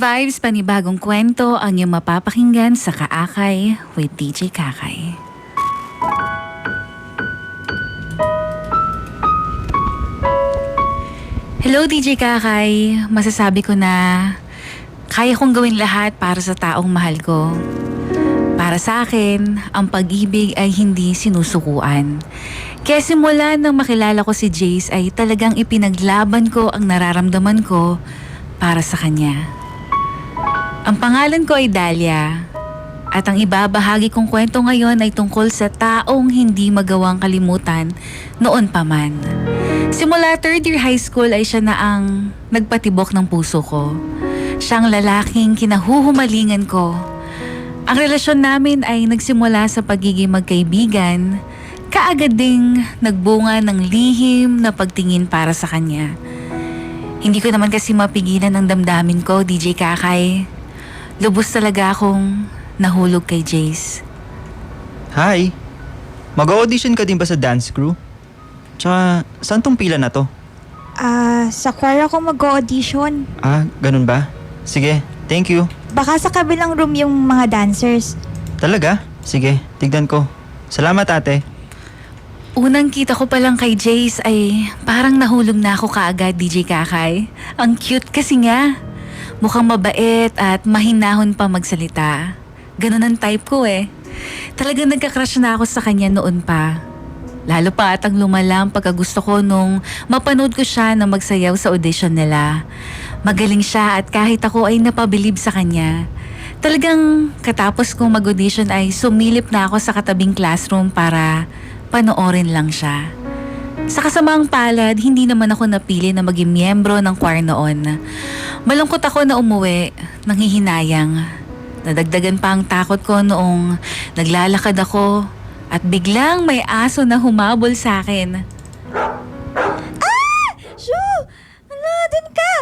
Vibes, panibagong kwento ang iyong mapapakinggan sa Kaakay with DJ Kakay. Hello DJ Kakay, masasabi ko na kaya kong gawin lahat para sa taong mahal ko. Para sa akin, ang pag-ibig ay hindi sinusukuan. Kaya simula nang makilala ko si Jace ay talagang ipinaglaban ko ang nararamdaman ko para sa kanya. Ang pangalan ko ay Dalia at ang ibabahagi kong kwento ngayon ay tungkol sa taong hindi magawang kalimutan noon pa man. Simula third year high school ay siya na ang nagpatibok ng puso ko. Siyang lalaking kinahuhumalingan ko. Ang relasyon namin ay nagsimula sa pagiging magkaibigan, kaagad ding nagbunga ng lihim na pagtingin para sa kanya. Hindi ko naman kasi mapigilan ang damdamin ko, DJ Kakay. Lubos talaga akong nahulog kay Jace. Hi! Mag-audition ka din ba sa dance crew? Tsaka, saan tong pila na to? Sa choir ako mag-audition. Ganun ba? Sige, thank you. Baka sa kabilang room yung mga dancers. Talaga? Sige, tignan ko. Salamat ate. Unang kita ko pa lang kay Jace ay parang nahulog na ako kaagad, DJ Kakay. Ang cute kasi nga. Mukhang mabait at mahinahon pa magsalita. Ganun ang type ko eh. Talagang nagka-crush na ako sa kanya noon pa. Lalo pa at ang lumalang pagkagusto ko nung mapanood ko siya na magsayaw sa audition nila. Magaling siya at kahit ako ay napabilib sa kanya. Talagang katapos kong mag-audition ay sumilip na ako sa katabing classroom para panoorin lang siya. Sa kasamaang palad, hindi naman ako napili na maging miyembro ng choir noon. Malungkot ako na umuwi, nanghihinayang. Nadagdagan pa ang takot ko noong naglalakad ako at biglang may aso na humabol sa akin. Shoo! Ala, dun ka!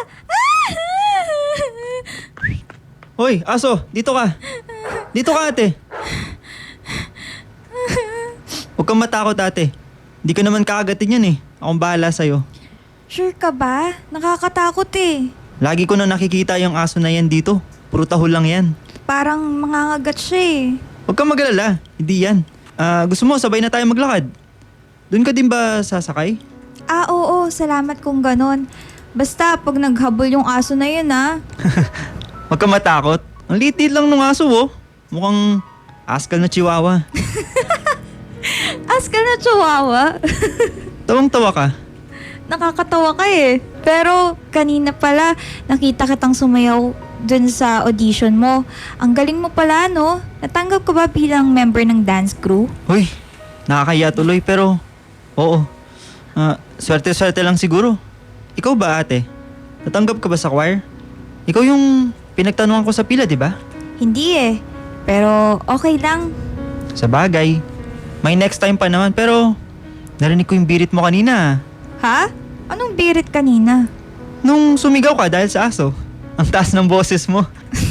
Hoy, aso, dito ka. Dito ka ate. Huwag kang matakot ate. Hindi ka naman kakagatin yan eh. Akong bahala sa'yo. Sure ka ba? Nakakatakot eh. Lagi ko na nakikita yung aso na yan dito. Puro tahol lang yan. Parang mangangagat siya eh. Huwag kang magalala. Hindi yan. Gusto mo sabay na tayo maglakad? Doon ka din ba sasakay? Oo, salamat kung ganon. Basta pag naghabol yung aso na yun Huwag kang matakot. Ang liit lang ng aso oh. Mukhang askal na chihuahua. Askal na chihuahua. Tawang-tawa ka. Nakakatawa ka eh. Pero kanina pala nakita kitang sumayaw dun sa audition mo. Ang galing mo pala no? Natanggap ka ba bilang member ng dance crew? Hoy, nakakaya tuloy pero oo. Swerte-swerte lang siguro. Ikaw ba ate? Natanggap ka ba sa choir? Ikaw yung pinagtanungan ko sa pila, di ba? Hindi eh. Pero okay lang. Sa bagay. May next time pa naman pero narinig ko yung birit mo kanina. Ha? Anong birit kanina? Nung sumigaw ka dahil sa aso. Ang taas ng boses mo.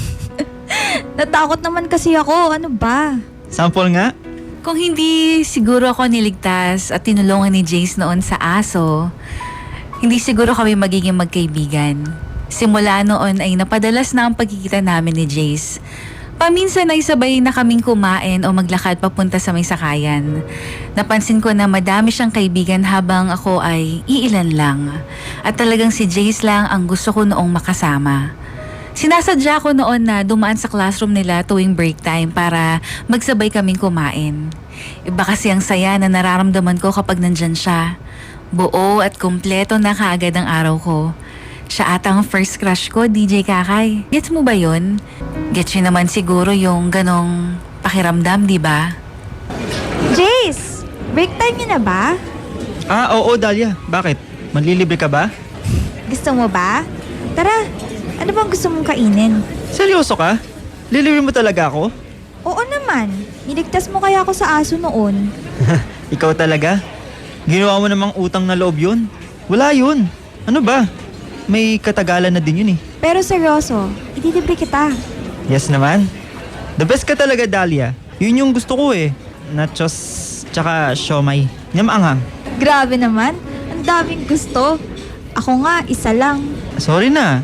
Natakot naman kasi ako. Ano ba? Sample nga. Kung hindi siguro ako niligtas at tinulungan ni Jace noon sa aso, hindi siguro kami magiging magkaibigan. Simula noon ay napadalas na ang pagkikita namin ni Jace. Paminsan ay sabay na kaming kumain o maglakad papunta sa may sakayan. Napansin ko na madami siyang kaibigan habang ako ay iilan lang. At talagang si Jace lang ang gusto ko noong makasama. Sinasadya ko noon na dumaan sa classroom nila tuwing break time para magsabay kaming kumain. Iba kasi ang saya na nararamdaman ko kapag nandyan siya. Buo at kumpleto na kaagad ang araw ko. Siya ata ang first crush ko, DJ Kakay. Gets mo ba yun? Gets yun naman siguro yung ganong pakiramdam, di ba? Jace! Break time niyo na ba? Oo Dalia. Bakit? Manlilibre ka ba? Gusto mo ba? Tara, ano bang gusto mong kainin? Seryoso ka? Lilibre mo talaga ako? Oo naman. Niligtas mo kaya ako sa aso noon. Ikaw talaga? Ginawa mo namang utang na loob yun? Wala yun. Ano ba? May katagalan na din yun eh. Pero seryoso, idilibre kita. Yes naman. The best ka talaga, Dalia. Yun yung gusto ko eh. Nachos, tsaka siomay. Nyamaanghang. Grabe naman, ang daming gusto. Ako nga, isa lang. Sorry na.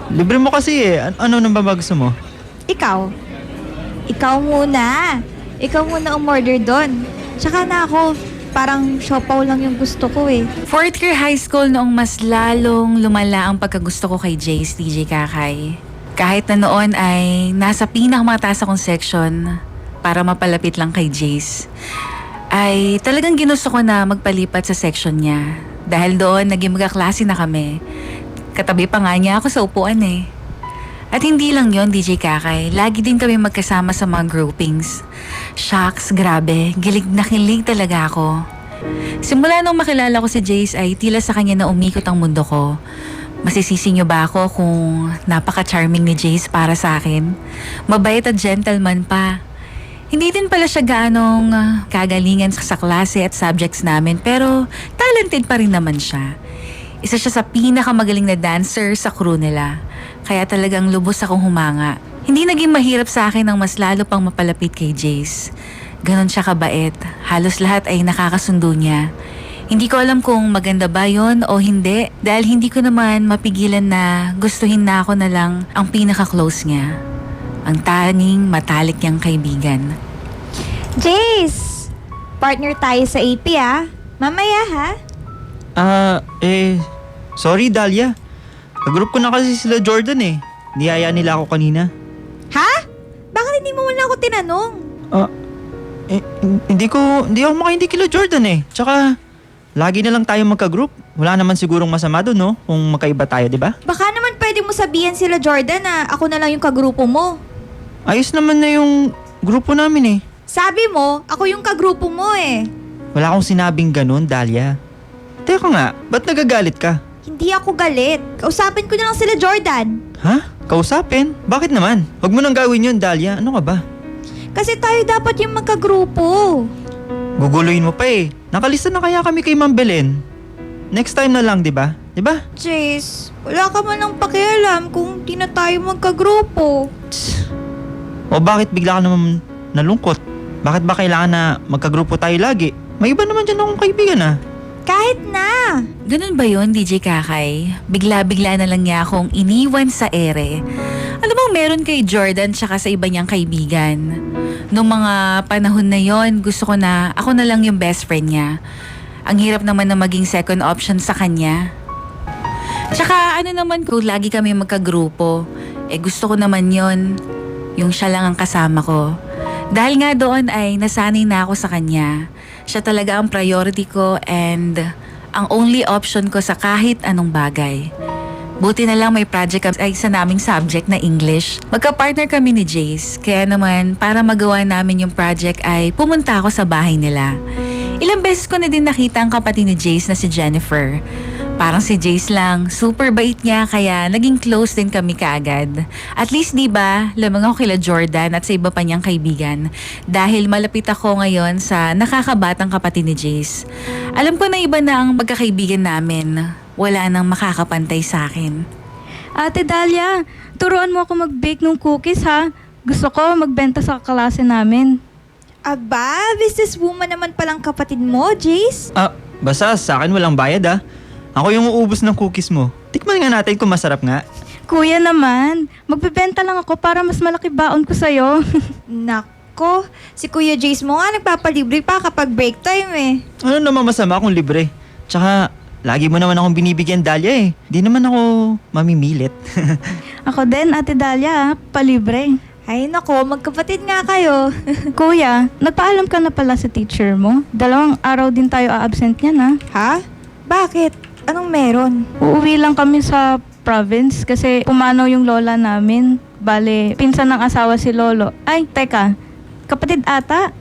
Libre mo kasi eh. Ano nang ba gusto mo? Ikaw. Ikaw muna. Ikaw muna umorder doon. Tsaka na ako. Parang siopaw lang yung gusto ko eh. Fourth year high school noong mas lalong lumala ang pagkagusto ko kay Jace, DJ Kakay. Kahit na noon ay nasa pinakamataas akong section para mapalapit lang kay Jace, ay talagang ginusto ko na magpalipat sa section niya. Dahil doon, naging magkaklase na kami. Katabi pa nga niya ako sa upuan eh. At hindi lang yon DJ Kakay, lagi din kami magkasama sa mga groupings. Shucks, grabe, gilig na kilig talaga ako. Simula nung makilala ko si Jace ay tila sa kanya na umikot ang mundo ko. Masisisi niyo ba ako kung napaka-charming ni Jace para sa akin? Mabait at gentleman pa. Hindi din pala siya gaanong kagalingan sa klase at subjects namin pero talented pa rin naman siya. Isa siya sa pinakamagaling na dancer sa crew nila. Kaya talagang lubos akong humanga. Hindi naging mahirap sa akin ang mas lalo pang mapalapit kay Jace. Ganon siya kabait. Halos lahat ay nakakasundo niya. Hindi ko alam kung maganda ba yon o hindi dahil hindi ko naman mapigilan na gustuhin na ako na lang ang pinaka-close niya. Ang tanging matalik niyang kaibigan. Jace! Partner tayo sa AP ah. Mamaya ha? Sorry Dahlia. Kagroup ko na kasi sila Jordan eh. Niyaya nila ako kanina. Ha? Bakit hindi mo wala ako tinanong? Hindi ako makaindi kila Jordan eh. Tsaka, lagi na lang tayo magka-group. Wala naman sigurong masama doon, no? Kung magkaiba tayo, di ba? Baka naman pwede mo sabihan sila Jordan na ako na lang yung kagrupo mo. Ayos naman na yung grupo namin eh. Sabi mo, ako yung kagrupo mo eh. Wala akong sinabing ganun, Dahlia. Teka nga, ba't nagagalit ka? Hindi ako galit. Kausapin ko na lang sila Jordan. Ha? Kausapin? Bakit naman? Huwag mo nang gawin yun, Dahlia. Ano ka ba? Kasi tayo dapat yung magkagrupo. Guguluhin mo pa eh. Nakalista na kaya kami kay Ma'am Belen. Next time na lang, di ba? Di ba? Jace, wala ka man lang pakialam kung di na tayo magkagrupo. O bakit bigla ka naman nalungkot? Bakit ba kailangan na magkagrupo tayo lagi? May iba naman dyan akong kaibigan ah. Kahit na. Ganun ba yon DJ Kakay? Bigla-bigla na lang niya akong iniwan sa ere. Ano bang meron kay Jordan tsaka sa iba niyang kaibigan? Noong mga panahon na yon, gusto ko na ako na lang yung best friend niya. Ang hirap naman na maging second option sa kanya. Tsaka ano naman kung lagi kami magkagrupo, gusto ko naman yon, yung siya lang ang kasama ko. Dahil nga doon ay nasanay na ako sa kanya. Siya talaga ang priority ko and ang only option ko sa kahit anong bagay. Buti na lang may project ay sa naming subject na English. Magka-partner kami ni Jace, kaya naman para magawa namin yung project ay pumunta ako sa bahay nila. Ilang beses ko na din nakita ang kapatid ni Jace na si Jennifer. Parang si Jace lang, super bait niya kaya naging close din kami kaagad. At least diba, lamang ako kila Jordan at sa iba pa niyang kaibigan dahil malapit ako ngayon sa nakakabatang kapatid ni Jace. Alam ko na iba na ang magkakaibigan namin. Wala nang makakapantay sa akin. Ate Dahlia, turuan mo ako mag-bake ng cookies ha. Gusto ko magbenta sa klase namin. Aba, businesswoman naman palang kapatid mo, Jace. Basta sa akin walang bayad ah. Ako yung uubos ng cookies mo. Tikman nga natin kung masarap nga. Kuya naman, magbebenta lang ako para mas malaki baon ko sa'yo. Nako, si Kuya Jace mo nga nagpapalibre pa kapag break time eh. Ano naman masama kung libre? Tsaka, lagi mo naman akong binibigyan, Dahlia eh. Di naman ako mamimilit. Ako din, Ate Dahlia, palibre. Ay nako, magkapatid nga kayo. Kuya, nagpaalam ka na pala sa teacher mo. 2 araw din tayo a-absent niyan ha. Ha? Bakit? Anong meron? Uuwi lang kami sa province kasi pumanaw yung lola namin. Bale, pinsan ng asawa si Lolo. Ay, teka, kapatid ata?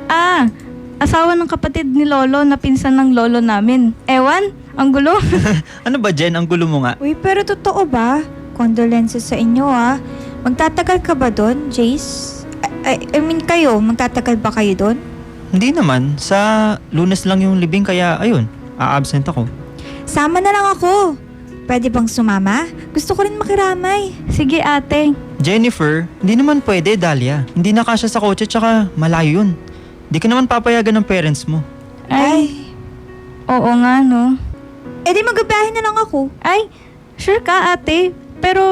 Asawa ng kapatid ni Lolo na pinsan ng lolo namin. Ewan, ang gulo. Ano ba, Jen? Ang gulo mo nga. Uy, pero totoo ba? Condolences sa inyo ah. Magtatagal ka ba doon, Jace? I mean kayo, magtatagal ba kayo doon? Hindi naman. Sa Lunes lang yung libing kaya ayun, a-absent ako. Sama na lang ako. Pwede bang sumama? Gusto ko rin makiramay. Sige ate. Jennifer, hindi naman pwede, Dahlia. Hindi na kasya sa kotse tsaka malayo yun. Di ka naman papayagan ng parents mo. Ay, oo nga no. Eh di magbabahin na lang ako. Ay, sure ka ate. Pero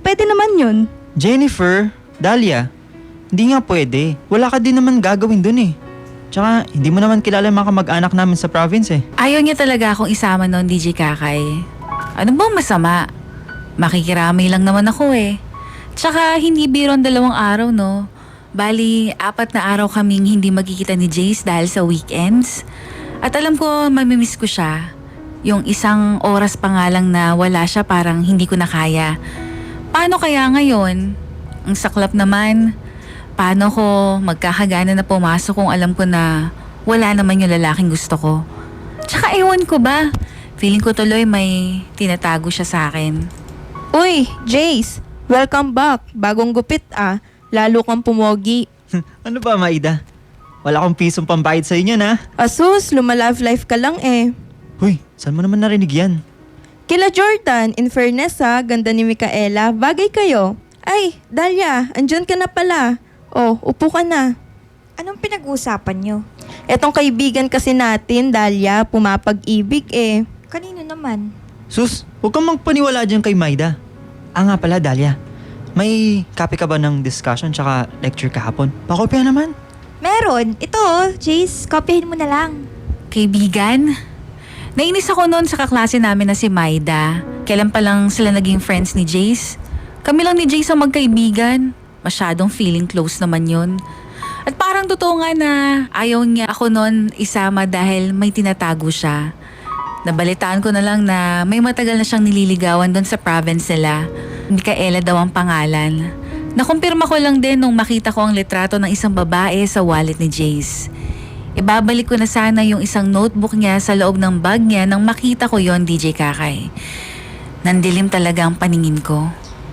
pwede naman yun. Jennifer, Dahlia, hindi nga pwede. Wala ka din naman gagawin dun eh. Tsaka, hindi mo naman kilala yung mga kamag-anak namin sa province eh. Ayaw niya talaga akong isama noon, DJ Kakay. Ano bang masama? Makikiramay lang naman ako eh. Tsaka hindi biro ang 2 araw, no? Bali, 4 na araw kaming hindi magkikita ni Jace dahil sa weekends. At alam ko, mamimiss ko siya. Yung 1 oras pa nga lang na wala siya, parang hindi ko na kaya. Paano kaya ngayon? Ang saklap naman. Paano ko magkakagana na pumasok kung alam ko na wala naman yung lalaking gusto ko? Tsaka ewan ko ba? Feeling ko tuloy may tinatago siya sa akin. Uy, Jace, welcome back. Bagong gupit ah. Lalo kang pumogi. Ano ba, Maida? Wala akong pisong pambayad sa inyo na. Asus, lumalove life ka lang eh. Huy, saan mo naman narinig yan? Kila Jordan, in fairness ha, ganda ni Micaela, bagay kayo. Ay, Dahlia, andyan ka na pala. Oh, upo ka na. Anong pinag-uusapan nyo? Etong kaibigan kasi natin, Dahlia, pumapag-ibig eh. Kanino naman? Sus, huwag kang magpaniwala dyan kay Maida. Nga pala, Dahlia. May copy ka ba ng discussion tsaka lecture kahapon? Pakopya naman. Meron. Ito, Jace, kopyahin mo na lang. Kaibigan? Nainis ako noon sa kaklase namin na si Maida. Kailan pa lang sila naging friends ni Jace? Kami lang ni Jace ang magkaibigan. Masyadong feeling close naman yun. At parang totoo nga na ayaw niya ako noon isama dahil may tinatago siya. Nabalitaan ko na lang na may matagal na siyang nililigawan doon sa province nila. Micaela daw ang pangalan. Nakumpirma ko lang din nung makita ko ang litrato ng isang babae sa wallet ni Jace. Ibabalik ko na sana yung isang notebook niya sa loob ng bag niya nang makita ko yon, DJ Kakay. Nandilim talaga ang paningin ko.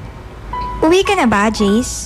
Uwi ka na ba, Jace?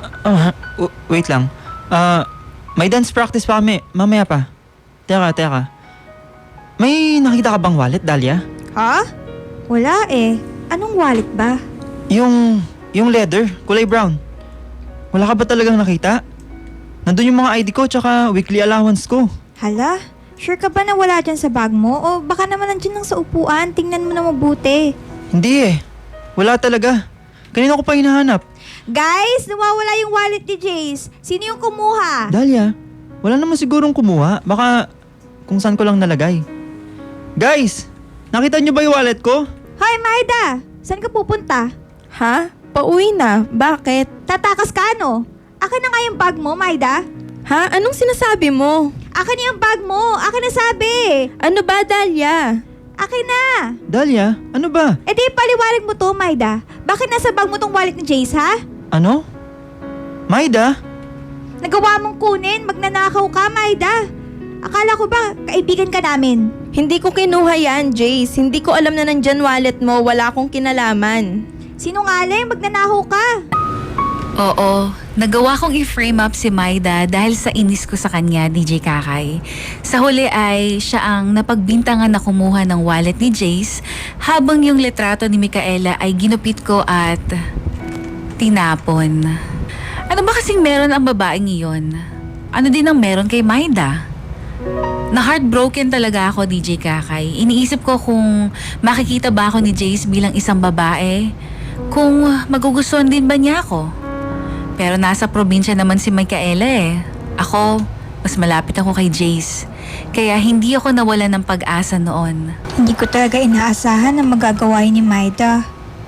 Wait lang. May dance practice pa kami. Mamaya pa. Teka. May nakita ka bang wallet, Dahlia? Ha? Wala eh. Anong wallet ba? Yung leather, kulay brown. Wala ka ba talagang nakita? Nandun yung mga ID ko tsaka weekly allowance ko. Hala? Sure ka ba na wala dyan sa bag mo? O baka naman nandyan lang sa upuan. Tingnan mo na mabuti. Hindi eh. Wala talaga. Kanina ko pa hinahanap. Guys, nawawala yung wallet ni Jace. Sino yung kumuha? Dahlia, wala naman sigurong kumuha. Baka kung saan ko lang nalagay. Guys, nakita niyo ba yung wallet ko? Hoy, Maida! Saan ka pupunta? Ha? Pauwi na. Bakit? Tatakas ka ano? Akin na nga yung bag mo, Maida. Ha? Anong sinasabi mo? Akin yung bag mo. Akin na sabi. Ano ba, Dahlia? Akin na. Dahlia, ano ba? E di paliwanag mo to, Maida. Bakit nasa bag mo tong wallet ni Jace, ha? Ano? Maida? Nagawa mong kunin. Magnanakaw ka, Maida. Akala ko ba kaibigan ka namin? Hindi ko kinuha yan, Jace. Hindi ko alam na nandyan wallet mo. Wala akong kinalaman. Sinungaling, magnanakaw ka. Oo, nagawa kong i-frame up si Maida dahil sa inis ko sa kanya, DJ Kakay. Sa huli ay siya ang napagbintangan na kumuha ng wallet ni Jace habang yung litrato ni Micaela ay ginupit ko at tinapon. Ano ba kasing meron ang babaeng iyon? Ano din ang meron kay Maida? Na-heartbroken talaga ako, DJ Kakay. Iniisip ko kung makikita ba ako ni Jace bilang isang babae, kung magugustuhan din ba niya ako. Pero nasa probinsya naman si Micaela eh. Ako, mas malapit ako kay Jace. Kaya hindi ako nawalan ng pag-asa noon. Hindi ko talaga inaasahan na magagawa ni Maida.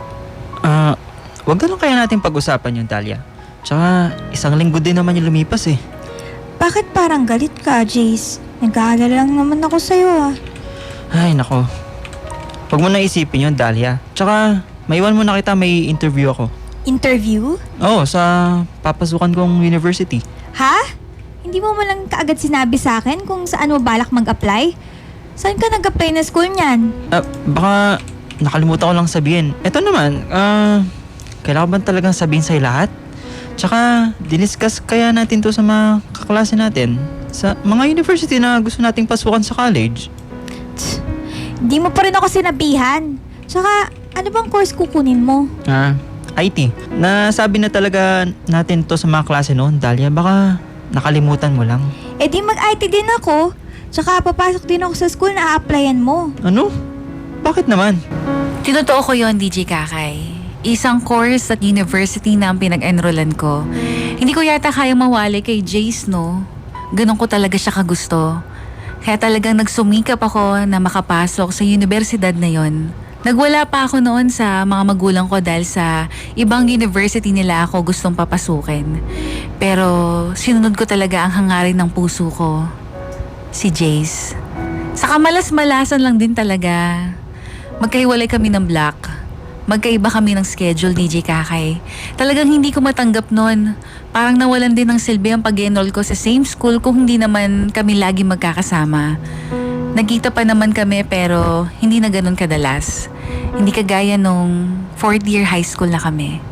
Wag ganun kaya natin pag-usapan yung Dahlia. Tsaka, 1 linggo din naman yung lumipas eh. Bakit parang galit ka, Jace? Nag-aalala lang naman ako sa'yo ah. Ay, nako. Huwag mo na isipin yun, Dahlia. Tsaka, maiwan mo na kita, may interview ako. Interview? Oo, sa papasukan kong university. Ha? Hindi mo man lang kaagad sinabi sa akin kung saan mo balak mag-apply? Saan ka nag-apply na school niyan? Baka nakalimutan ko lang sabihin. Eto naman, kailangan ba talagang sabihin sa'yo lahat? Tsaka, diniscuss kaya natin to sa mga kaklase natin sa mga university na gusto nating pasukan sa college. Hindi mo pa rin ako sinabihan. Tsaka, ano bang course kukunin mo? IT. Nasabi na talaga natin to sa mga klase noon, Dahlia. Baka nakalimutan mo lang. Eh di mag-IT din ako. Tsaka papasok din ako sa school na a-applyan mo. Ano? Bakit naman? Tinotoo ko yon, DJ Kakay. Isang course at university na ang pinag-enrollan ko. Hindi ko yata kaya mawali kay Jace, no? Ganun ko talaga siya kagusto. Kaya talagang nagsumikap ako na makapasok sa universidad na yon. Nagwala pa ako noon sa mga magulang ko dahil sa ibang university nila ako gustong papasukin. Pero sinunod ko talaga ang hangarin ng puso ko. Si Jace. Saka malas-malasan lang din talaga. Magkahiwalay kami ng block. Magkaiba kami ng schedule, DJ Kakay. Talagang hindi ko matanggap nun. Parang nawalan din ng silbi ang pag-enroll ko sa same school kung hindi naman kami lagi magkakasama. Nagkita pa naman kami pero hindi na ganun kadalas. Hindi kagaya nung 4th year high school na kami.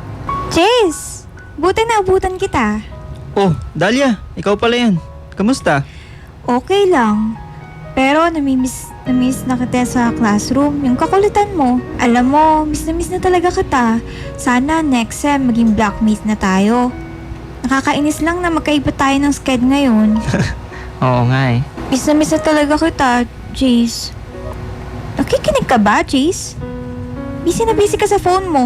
Jace, buti na abutan kita. Oh, Dahlia, ikaw pala yan. Kamusta? Okay lang. Pero namimiss na kita sa classroom. Yung kakulitan mo. Alam mo, miss na talaga kita. Sana next sem maging blockmates na tayo. Nakakainis lang na magkaiba tayo ng sked ngayon. Oo nga eh. Miss na talaga kita, Jace. Nakikinig ka ba, Jace? Busy na busy ka sa phone mo.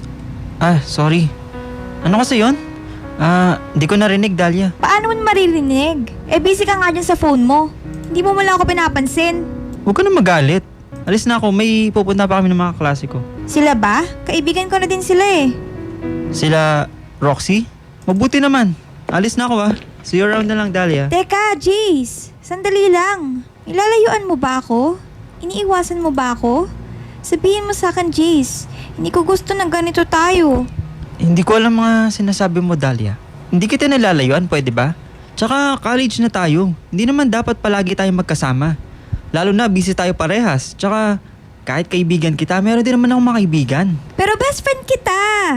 Ah, sorry. Ano kasi yon? Hindi ko narinig, Dahlia. Paano mo maririnig? Busy ka nga dyan sa phone mo. Hindi mo wala ako pinapansin. Huwag ka na magalit. Alis na ako, may pupunta pa kami ng mga klase ko. Sila ba? Kaibigan ko na din sila eh. Sila, Roxy? Mabuti naman. Alis na ako See you around na lang, Dahlia. Teka, Jace. Sandali lang. Ilalayuan mo ba ako? Iniiwasan mo ba ako? Sabihin mo sa akin, Jace. Hindi ko gusto na ganito tayo. Hindi ko alam mga sinasabi mo, Dahlia. Hindi kita nilalayuan, pwede ba? Tsaka college na tayo. Hindi naman dapat palagi tayong magkasama. Lalo na busy tayo parehas. Tsaka kahit kaibigan kita, meron din naman akong mga kaibigan. Pero best friend kita.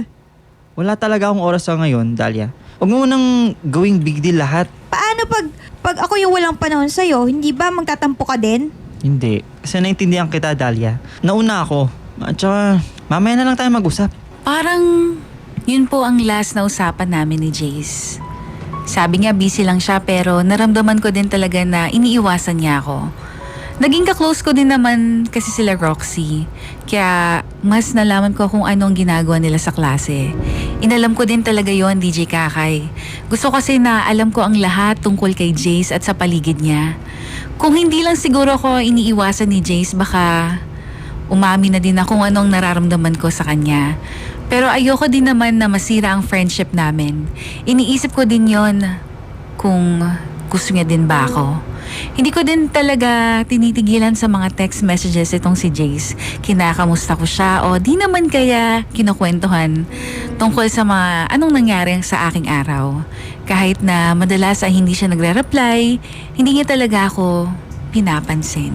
Wala talaga akong oras sa ngayon, Dahlia. Huwag mo nang gawing big deal lahat. Paano pag ako yung walang panahon sa'yo, hindi ba magtatampo ka din? Hindi. Kasi naintindihan kita, Dahlia. Nauna ako. At tsaka, mamaya na lang tayo mag-usap. Parang yun po ang last na usapan namin ni Jace. Sabi niya busy lang siya pero naramdaman ko din talaga na iniiwasan niya ako. Naging ka-close ko din naman kasi sila Roxy. Kaya mas nalaman ko kung anong ginagawa nila sa klase. Inalam ko din talaga yon, DJ Kakay. Gusto kasi na alam ko ang lahat tungkol kay Jace at sa paligid niya. Kung hindi lang siguro ko iniiwasan ni Jace, baka umamin na din ako kung anong nararamdaman ko sa kanya. Pero ayoko din naman na masira ang friendship namin. Iniisip ko din yon kung gusto niya din ba ako. Hindi ko din talaga tinitigilan sa mga text messages itong si Jace. Kinakamusta ko siya o di naman kaya kinukwentuhan tungkol sa mga anong nangyari sa aking araw. Kahit na madalas ay hindi siya nagre-reply, hindi niya talaga ako pinapansin.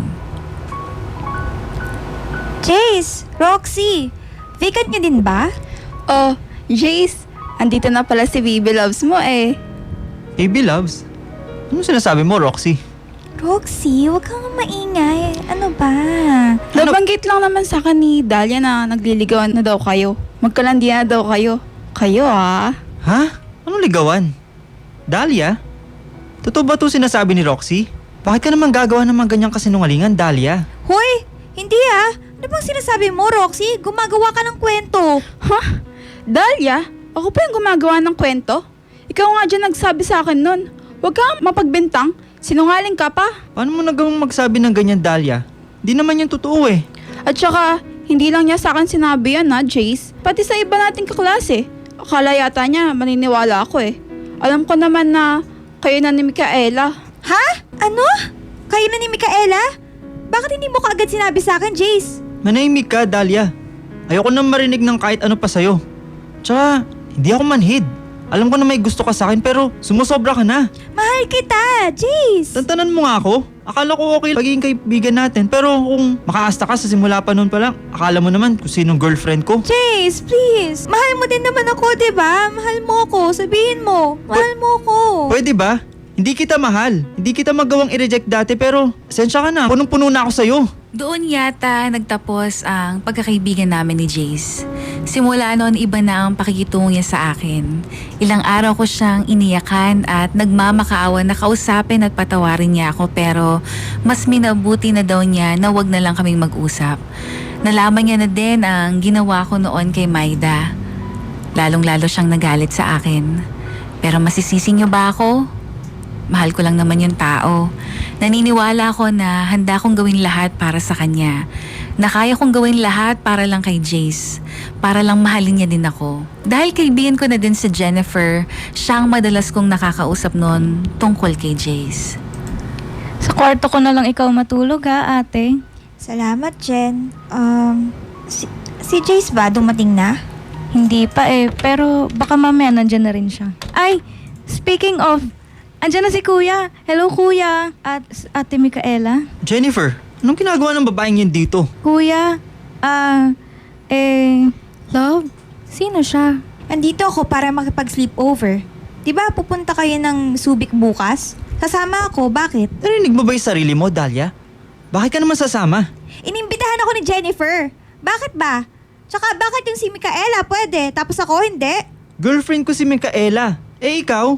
Jace, Roxy, vacant niyo din ba? Oh, Jace, andito na pala si Baby Loves mo eh. Baby loves? Ano sinasabi mo, Roxy? Roxy, huwag kang maingay. Ano ba? Nabanggit lang naman sa akin ni Dahlia na nagliligawan na daw kayo. Magkalandian na daw kayo. Kayo ah. Ha? Anong ligawan? Dahlia? Totoo ba ito sinasabi ni Roxy? Bakit ka naman gagawa ng mga ganyang kasinungalingan, Dahlia? Hoy, hindi ah. Ano bang sinasabi mo, Roxy? Gumagawa ka ng kwento. Ha? Dahlia? Ako pa yung gumagawa ng kwento? Ikaw nga dyan nagsabi sa akin nun. Huwag kang mapagbintang. Sinungaling ka pa. Paano mo nagawang magsabi ng ganyan, Dahlia? Di naman yan totoo eh. At saka, hindi lang niya sa akin sinabi yan ha, Jace. Pati sa iba nating kaklase. Akala yata niya maniniwala ako eh. Alam ko naman na kayo na ni Micaela. Ha? Ano? Kayo na ni Micaela? Bakit hindi mo kaagad sinabi sa akin, Jace? Manahimik ka, Dahlia. Ayoko nang marinig ng kahit ano pa sa'yo. Tsaka, hindi ako manhid. Alam ko na may gusto ka sa akin pero sumusobra ka na. Mahal kita, Jace! Tantanan mo nga ako. Akala ko okay magiging kaibigan natin pero kung makaasta ka sa simula pa noon pa lang, akala mo naman kung sinong girlfriend ko. Jace, please! Mahal mo din naman ako, diba? Mahal mo ako. Sabihin mo. Mahal mo ako. Pwede ba? Hindi kita mahal. Hindi kita magawang i-reject dati pero sensya ka na. Punong-puno na ako sa'yo. Doon yata nagtapos ang pagkakaibigan namin ni Jace. Simula noon iba na ang pakikitungo niya sa akin. Ilang araw ko siyang iniyakan at nagmamakaawa na kausapin at patawarin niya ako pero mas minabuti na daw niya na wag na lang kaming mag-usap. Nalaman niya na din ang ginawa ko noon kay Maida. Lalong-lalo siyang nagalit sa akin. Pero masisisi niyo ba ako? Mahal ko lang naman yung tao. Naniniwala ako na handa kong gawin lahat para sa kanya. Na kaya kong gawin lahat para lang kay Jace. Para lang mahalin niya din ako. Dahil kaibigan ko na din si Jennifer, siya ang madalas kong nakakausap noon tungkol kay Jace. Sa kwarto ko na lang ikaw matulog ha, ate. Salamat, Jen. Si Jace ba dumating na? Hindi pa pero baka mamaya nandyan na rin siya. Ay, speaking of, andyan na si Kuya. Hello, Kuya. At Ate Micaela. Jennifer, anong ginagawa ng babaeng yan dito? Kuya, Love, sino siya? Andito ako para makipag-sleepover. Diba pupunta kayo ng Subic bukas? Kasama ako, bakit? Narinig mo ba yung sarili mo, Dahlia? Bakit ka naman sasama? Inimbitahan ako ni Jennifer. Bakit ba? Tsaka bakit yung si Micaela pwede, tapos ako hindi? Girlfriend ko si Micaela. Eh ikaw?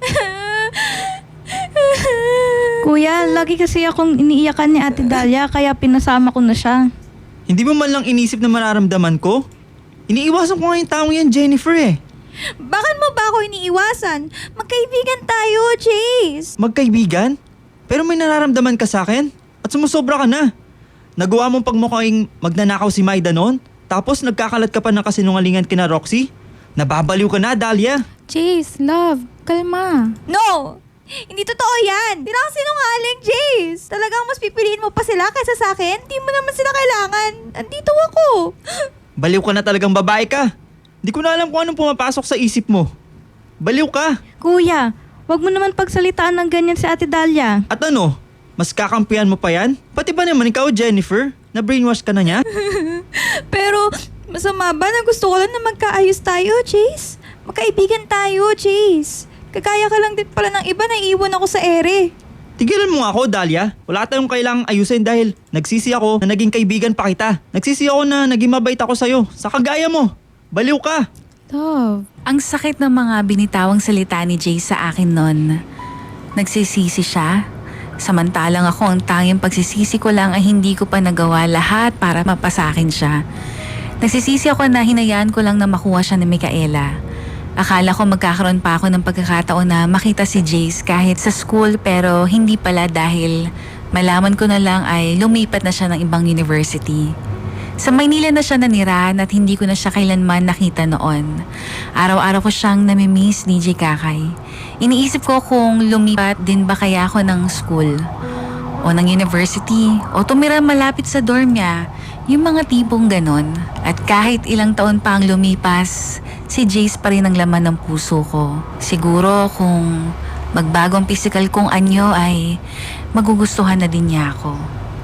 Kuya, lagi kasi akong iniiyakan ni Ate Dahlia kaya pinasama ko na siya. Hindi mo man lang inisip na mararamdaman ko? Iniiwasan ko nga yung taong yan, Jennifer eh. Bakit mo ba ako iniiwasan? Magkaibigan tayo, Jace. Magkaibigan? Pero may nararamdaman ka sa akin? At sumusobra ka na. Nagawa mong pagmukhang magnanakaw si Maida noon? Tapos nagkakalat ka pa ng kasinungalingan kina Roxy? Nababaliw ka na, Dahlia. Jace, love, kalma. No! Hindi totoo yan! Di na ako sinungaling, Jace! Talagang mas pipiliin mo pa sila kaysa sa akin? Di mo naman sila kailangan. Andito ako. Baliw ka na talagang babae ka. Di ko na alam kung anong pumapasok sa isip mo. Baliw ka. Kuya, wag mo naman pagsalitaan ng ganyan si Ate Dahlia. At ano? Mas kakampihan mo pa yan? Pati ba naman ikaw, Jennifer? Na-brainwash ka na niya? Pero, masama ba na gusto ko lang na magkaayos tayo, Jace? Magkaibigan tayo, Jace. Kagaya ka lang din pala ng iba na iiwan ako sa ere. Tigilan mo nga ako, Dahlia. Wala tayong kailangang ayusin dahil nagsisi ako na naging kaibigan pa kita. Nagsisi ako na naging mabait ako sa'yo. Sa kagaya mo. Baliw ka. Love, Ang sakit ng mga binitawang salita ni Jace sa akin noon. Nagsisisi siya. Samantalang ako, ang tanging pagsisisi ko lang ay hindi ko pa nagawa lahat para mapasakin siya. Nagsisisi ako na hinayaan ko lang na makuha siya ni Micaela. Akala ko magkakaroon pa ako ng pagkakataon na makita si Jace kahit sa school pero hindi pala dahil malaman ko na lang ay lumipat na siya ng ibang university. Sa Maynila na siya nanirahan at hindi ko na siya kailanman nakita noon. Araw-araw ko siyang namimiss, DJ Kakay. Iniisip ko kung lumipat din ba kaya ako ng school o ng university o tumira malapit sa dorm niya. Yung mga tipong ganon. At kahit ilang taon pa ang lumipas, si Jace pa rin ang laman ng puso ko. Siguro kung magbago ang physical kong anyo ay magugustuhan na din niya ako.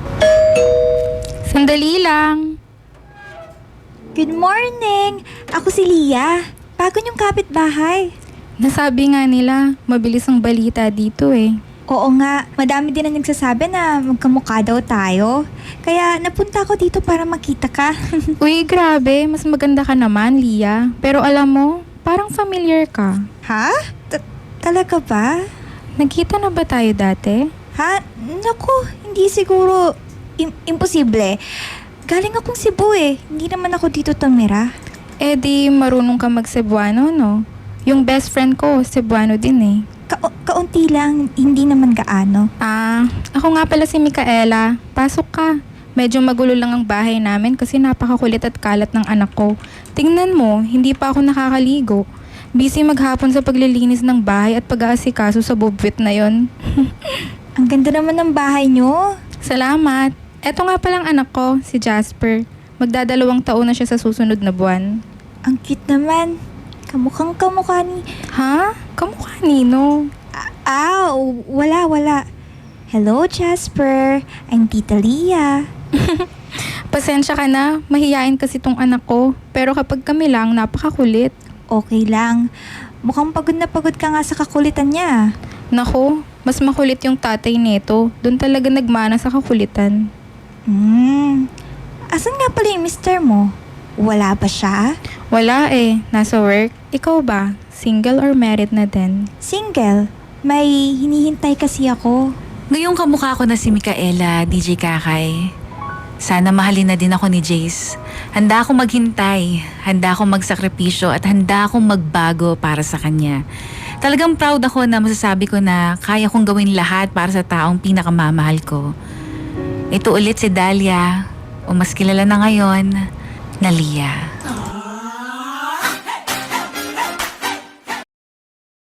sandali lang. Good morning! Ako si Lia. Bago niyong kapitbahay. Nasabi nga nila, mabilis ang balita dito eh. Oo nga, madami din na nagsasabi na magkamukha daw tayo. Kaya napunta ako dito para makita ka. Uy, grabe, mas maganda ka naman, Lia. Pero alam mo, parang familiar ka. Ha? Talaga ba? Nagkita na ba tayo dati? Ha? Naku, hindi siguro. Imposible. Galing akong Cebu eh. Hindi naman ako dito tumira. Eh di marunong ka mag-Cebuano, no? Yung best friend ko, Cebuano din eh. Kaunti lang, hindi naman gaano. Ako nga pala si Micaela. Pasok ka. Medyo magulo lang ang bahay namin kasi napakakulit at kalat ng anak ko. Tingnan mo, hindi pa ako nakakaligo. Busy maghapon sa paglilinis ng bahay at pag-aasikaso sa bobwit na yon. Ang ganda naman ng bahay nyo. Salamat. Eto nga palang anak ko, si Jasper. Magdadalawang taon na siya sa susunod na buwan. Ang cute naman. Kamukhang kamukha ni... Ha? Kamukha nino? Wala. Hello, Jasper. I'm Tita Lia. Pasensya ka na, mahiyain kasi tong anak ko. Pero kapag kami lang, napakakulit. Okay lang. Mukhang pagod na pagod ka nga sa kakulitan niya. Nako, mas makulit yung tatay nito. Doon talaga nagmana sa kakulitan. Asan nga pala yung mister mo? Wala ba siya? Wala eh, nasa work. Ikaw ba? Single or married na din? Single. May hinihintay kasi ako. Ngayong kamukha ko na si Micaela, DJ Kakay. Sana mahalin na din ako ni Jace. Handa akong maghintay, handa akong magsakripisyo at handa akong magbago para sa kanya. Talagang proud ako na masasabi ko na kaya kong gawin lahat para sa taong pinakamamahal ko. Ito ulit si Dahlia, o mas kilala na ngayon na Lia.